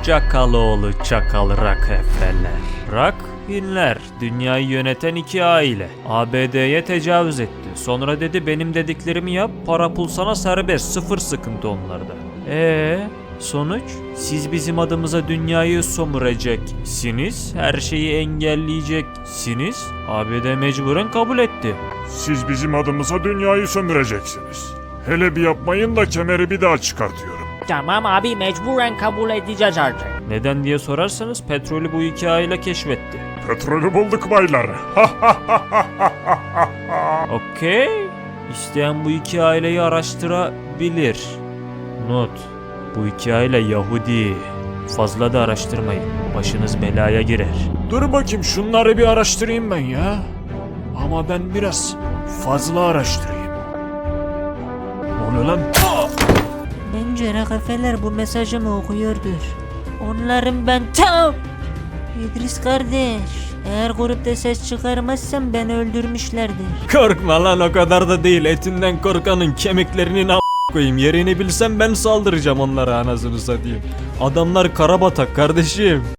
Çakaloğlu çakal Rockefeller. Rockhinler dünyayı yöneten iki aile. ABD'ye tecavüz etti. Sonra dedi benim dediklerimi yap, para pul sana serbest, sıfır sıkıntı onlarda. Sonuç? Siz bizim adımıza dünyayı sömüreceksiniz, her şeyi engelleyeceksiniz. ABD mecburen kabul etti. Siz bizim adımıza dünyayı sömüreceksiniz. Hele bir yapmayın da kemeri bir daha çıkartıyorum. Tamam abi, mecburen kabul edeceğiz artık. Neden diye sorarsanız petrolü bu iki aile keşfetti. Petrolü bulduk baylar. Okey. İsteyen bu iki aileyi araştırabilir. Not. Bu iki aile Yahudi. Fazla da araştırmayın. Başınız belaya girer. Dur bakayım şunları bir araştırayım ben ya. Ama ben biraz fazla araştırayım. Ne oluyor lan? Bence Rockefeller bu mesajımı okuyordur. Onların ben tam... İdris kardeş, eğer grupta ses çıkarmazsam beni öldürmüşlerdir. Korkma lan, o kadar da değil. Etinden korkanın kemiklerinin koyayım. Yerini bilsem ben saldıracağım onlara, anasını satayım. Adamlar karabatak kardeşim.